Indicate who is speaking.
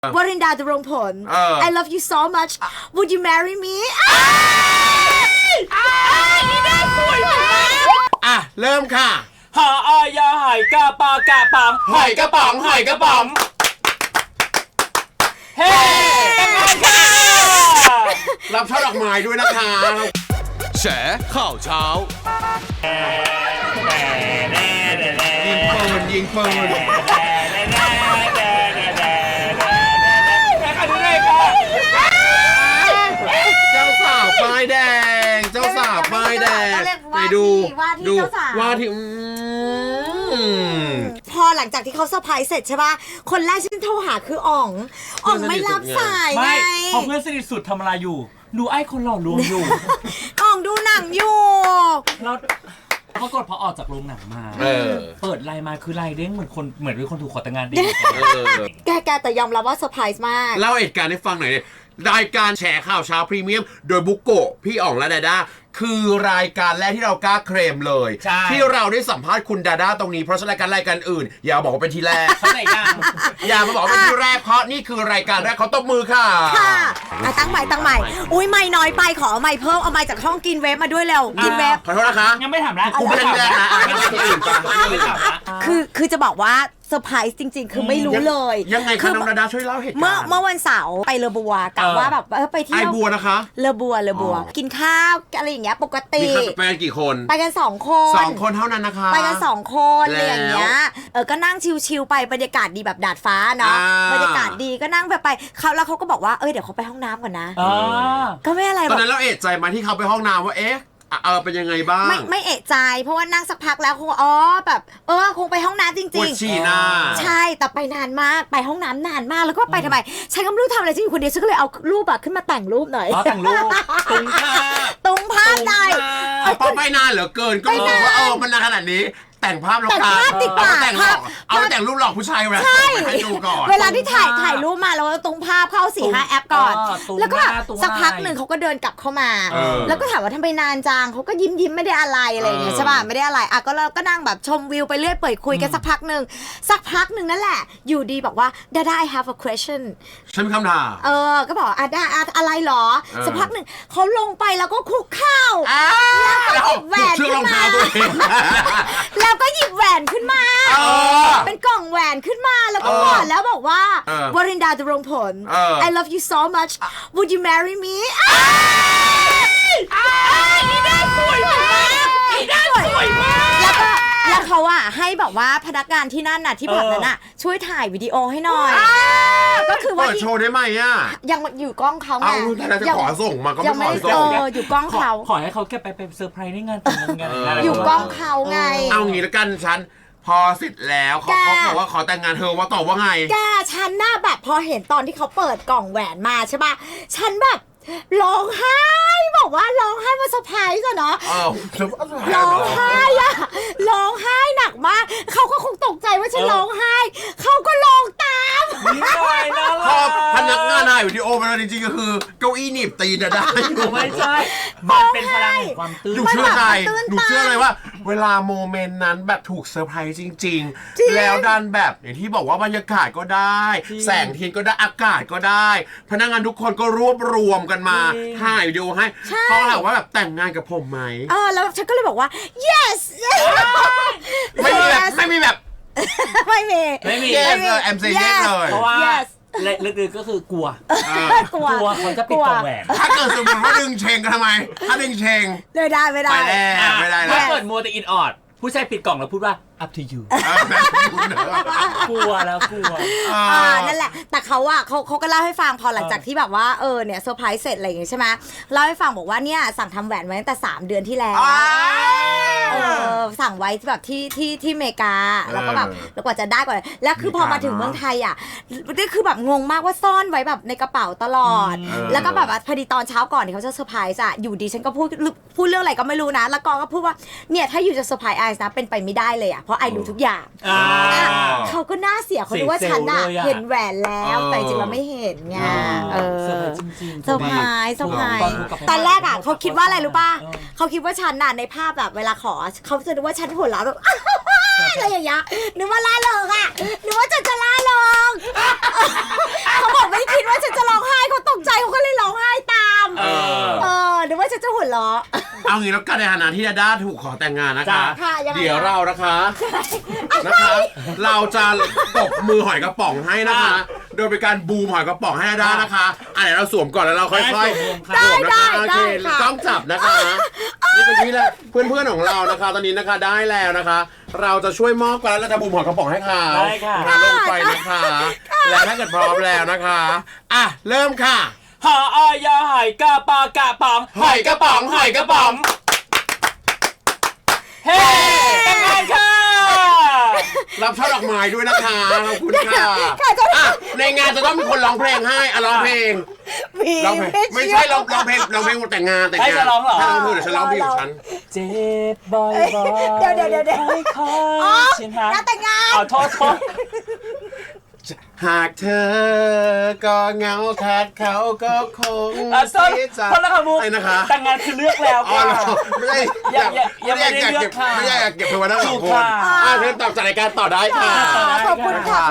Speaker 1: วรินดาดำรงผล I love you so much would you marry me
Speaker 2: นี่น่าสวยมาก
Speaker 3: เริ่มค่ะ
Speaker 2: หาอายาหายกะปากะปังหอยกระป๋องหอยกระป๋องเฮ้แต่งงานค่ะ
Speaker 3: รับช่อดอกไม้ด้วยนะคะ
Speaker 4: แฉข่าวเช้า
Speaker 3: ยิงปืนเจ้าสาวป้ายแดงไปดูว่าที่
Speaker 1: พอหลังจากที่เขาเซอร์ไพรส์เสร็จใช่ป่ะคนแรกที่โทรหาคืออ๋องไม่รับสายไง
Speaker 2: พอเพื่อนสนิทสุดทำอะไรอยู่ดูไอ้คนหล่อลวงอยู่
Speaker 1: อ๋องดูหนังอยู่
Speaker 2: แล้วปรากฏพอออกจากโรงหนังมาเปิดไลน์มาคือไลน์เด้งเหมือนเป็นคนถูกขอแต่งงานดี
Speaker 1: แกแต่ยอมรับว่าเซอร์ไพรส์มาก
Speaker 3: เล่าเหตุการณ์ให้ฟังหน่อยดิรายการแฉข่าวเช้าพรีเมียมโดยบุโกะพี่อ๋องและดาด้าคือรายการแรกที่เรากล้าเคลมเลยที่เราได้สัมภาษณ์คุณดาด้าตรงนี้เพราะรายการอื่นอย่าบอกว่าเป็นที่แรกอย่ามาบอกว่าเป็นที่แรกเพราะนี่คือรายการแรกเขาตบมือค่ะ
Speaker 1: ตั้งใหม่อุ้ยไม่น้อยไปขอเอาไม่เพิ่มเอาไม่จากห้องกินเวฟมาด้วยเร็วกินเวฟ
Speaker 3: ขอโทษนะคะ
Speaker 2: ยังไม่ถามนะ
Speaker 3: กูไม่ได้แรกนะ
Speaker 1: คือจะบอกว่าเซอร์ไพรส์จริงๆคือไม่รู้เลย
Speaker 3: ยังไงคะน้องดาด้าช่วยเล่าเหตุการณ์
Speaker 1: เมื่อวันเสาร์ไปเลอบัวกะว่าแบบไปเที่ยว
Speaker 3: ไอบัวนะคะ
Speaker 1: เลอบัวกินข้าวอะไรอย่างเงี้ยปกติ
Speaker 3: ไปกันกี่คน
Speaker 1: ไปกัน2 คน
Speaker 3: เท่านั้นนะคะ
Speaker 1: ไปกัน2 คนอะไรอย่างเงี้ยก็นั่งชิลๆไปบรรยากาศดีแบบดาดฟ้าเนาะบรรยากาศดีก็นั่งไปแล้วเขาก็บอกว่าเดี๋ยวเขาไปห้องน้ำก่อนนะก็ไม่อะไร
Speaker 3: ตอนนั้นเราเอะใจมาที่เขาไปห้องน้ำว่าเป็นยังไงบ้าง
Speaker 1: ไม่เอะใจเพราะว่านั่งสักพักแล้วคงแบบคงไปห้องน้ำจริงๆปวด
Speaker 3: ฉี่หน้า
Speaker 1: ใช่แต่ไปนานมากไปห้องน้ำนานมากแล้วก็ไปทำไมฉันก็ไม่รู้ทำอะไรฉันอยู่คนเดียวฉันก็เลยเอารูปขึ้นมาแต่งรูปหน่อย
Speaker 2: แต่งรูป
Speaker 1: ตุงภาพได้
Speaker 3: พอไปนานเหลือเกินก็รู้ว่ามันนานขนาดนี้แต่งภาพแล้วกันเอาแต่งรูปหลอกผู้ชายให้ดูก่อน
Speaker 1: เวลาที่ถ่ายรูปมาแล้วตรงภาพเข้า 4-5 แอปก่อนแล้วก็แบบสักพักหนึ่งเขาก็เดินกลับเข้ามาแล้วก็ถามว่าทำไมนานจังเขาก็ยิ้มไม่ได้อะไรอย่างเงี้ยใช่ป่ะไม่ได้อะไรก็เราก็นั่งแบบชมวิวไปเรื่อยเปื่อยคุยกันสักพักหนึ่งนั่นแหละอยู่ดีบอกว่าDada I have a question
Speaker 3: ฉันมีคำถาม
Speaker 1: ก็บอกอะไรหรอสักพักหนึ่งเขาลงไปแล้วก็คุกเข่า
Speaker 3: แล้วก็หยิบแหวนขึ้นมา
Speaker 1: แล้วก็หยิบแหวนขึ้นมาเป็นกล่องแหวนขึ้นมาแล้วก็บอกแล้วบอกว่าวรินดาดำรงผล I love you so much would you marry me
Speaker 2: นี่น่าสวยมาก
Speaker 1: แล้วเขาให้แบบว่าพนักงานที่นั่นที่แบบนั้นช่วยถ่ายวิดีโอให้หน่อยก็คือว่า
Speaker 3: เปิดโชว์ได้ไหม
Speaker 1: ยังอยู่กล้องเขาไง
Speaker 3: แต่จะขอส่งมาก็ไม่ขอส่ง
Speaker 1: อยู่กล้องเขา
Speaker 2: ขอให้เขาแค่ไปเซอร์ไพรส์ในงานแต่งงาน
Speaker 1: อยู่กล้องเขาไง
Speaker 3: เอางี้แล้วกันฉันพอเสร็จแล้วเขาบอกว่าขอแต่งงานเธอว่าตอบว่าไง
Speaker 1: แกฉันแบบพอเห็นตอนที่เขาเปิดกล่องแหวนมาใช่ป่ะฉันแบบร้องไห้บอกว่าร้องไห้มาเซอร์ไพรส์เนาะร้องไห้ร้องไห้หนักมากเขาก็คงตกใจว่าฉันร้องไห้เขาก็ร้องตาม
Speaker 3: พอพนักงานถ่ายวิดีโอมาแล้วจริงๆก็คือเก้าอี้หนีบตีนได้
Speaker 2: ไม่ใช่มันเป็นพลังความตื่น
Speaker 3: หนูเชื่อเลยว่าเวลาโมเมนต์นั้นแบบถูกเซอร์ไพรส์จริงๆแล้วดันแบบอย่างที่บอกว่าบรรยากาศก็ได้แสงเทียนก็ได้อากาศก็ได้พนักงานทุกคนก็รวบรวมกันมาถ่ายวิดีโอให้เขาถามว่าแบบแต่งงานกับผมไหม
Speaker 1: แล้วฉันก็เลยบอกว่า yes
Speaker 3: ไม่มีแบบI'm saying yes เลย
Speaker 2: เพราะว่าลึกๆก็คือกลัวคนจะปิดกล่องแหวน
Speaker 3: ถ้าเกิดสมมติว่าดึงเชงกันทำไมถ้าดึงเชง
Speaker 1: ไม่ได้
Speaker 2: ถ้าเกิดมัวแต่อินออดผู้ชายปิดกล่องแล้วพูดว่า up to you กลัว
Speaker 1: นั่นแหละแต่เขาก็เล่าให้ฟังพอหลังจากที่แบบว่าเนี่ยเซอร์ไพรส์เสร็จอะไรอย่างงี้ใช่ไหมเล่าให้ฟังบอกว่าเนี่ยสั่งทำแหวนไว้ตั้งแต่3 เดือนที่แล้วสั่งไว้แบบที่อเมริกาแล้วก็แบบแล้วกว่าจะได้ก่อนแล้วคือพอมาถึงเมืองไทยนี่คือแบบงงมากว่าซ่อนไว้แบบในกระเป๋าตลอดแล้วก็แบบพอดีตอนเช้าก่อนที่เขาจะเซอร์ไพรส์อยู่ดีฉันก็พูดเรื่องอะไรก็ไม่รู้นะแล้วก็พูดว่าเนี่ยถ้าอยู่จะเซอร์ไพรส์ไอซ์นะเป็นไปไม่ได้เลยเพราะไอรู้ทุกอย่างเขาก็น่าเสียเขาดูว่าฉันเห็นแหวนแล้วแต่จริงเราไม่เห็นไง
Speaker 2: เซอร์ไพรส์จริง
Speaker 1: ๆเซอร์ไพรส์ตอนแรกเขาคิดว่าอะไรรู้ป่ะเขาคิดว่าฉันในภาพแบบเวลาขอเขาจะนึกว่าฉันหัวเราะแบบอะไรอย่างเงี้ยนึกว่าล่าเริงนึกว่าจะล่าเริงเขาบอกไม่คิดว่าฉันจะร้องไห้เขาตกใจเขาก็เลยร้องไห้ตามหรือว่าฉันจะหัวเราะ
Speaker 3: เอางี้แล้วกันในฐานะที่ดาด้าถูกขอแต่งงานนะคะ
Speaker 1: ค่ะยังไง
Speaker 3: เดี๋ยวเรานะคะเราจะตบมือหอยกระป๋องให้นะคะ โดยเป็นการบูมหอยกระป๋องให้ดาด้านะคะเดี๋ยวเราสวมก่อนแล้วเราค่อยๆสวมนะคะโอเคต้องจับนะคะนี่เป็นที่แล้วเพื่อนๆของเรานะคะ ตอนนี้นะคะได้แล้วนะคะ เราจะช่วยมอบกันแล้วเราจะบูมหอยกระป๋องให้เขา
Speaker 2: ได้ค่ะ
Speaker 3: ลงไปนะคะแล้วถ้าเกิดพร้อมแล้วนะคะเริ่มค่ะ
Speaker 2: หออยหอยกระปอกระป๋องหอยกระป๋องหอยกระป๋องเฮ้แต่งงานค่ะ
Speaker 3: รับช่อดอกไม้ด้วยนะคะขอบคุณค่ะในงานจะต้องมีคนร้องเพลงให้ร้องเพลงไม่ใช่ร้องเพลงแต่งงาน
Speaker 2: ให้ฉันร้องเหรอ
Speaker 3: ให้ร้องเธอเดี๋ยวฉันร้องเพลงของฉัน
Speaker 2: เจ็บบ่อยๆ
Speaker 1: เดี๋ยว
Speaker 2: ค่อย
Speaker 1: อ๋อ
Speaker 2: ๆชินฮะ
Speaker 1: งานแต่งงาน
Speaker 2: เอาโทษ
Speaker 3: หากเธอก็เหงาขาดเขาก็คง
Speaker 2: ส้น
Speaker 3: เสียใจ
Speaker 2: คนละค่ะมุก
Speaker 3: ไอ้นะคะ
Speaker 2: แต่งงานคือเลือกแล้ว
Speaker 3: อ๋อ
Speaker 2: ค่ะ
Speaker 3: เหรอไม่ได้
Speaker 2: ยังไม่ได้เลือกค่ะ
Speaker 3: ไม่ได้อยากเก็บเธอไว้ทั้งสอง
Speaker 2: ถู
Speaker 3: ค
Speaker 2: ก
Speaker 3: น
Speaker 2: ค่ะ
Speaker 3: เธอตอบจากรายการต่อได้ค่ะ
Speaker 1: ขอบคุณค่ะ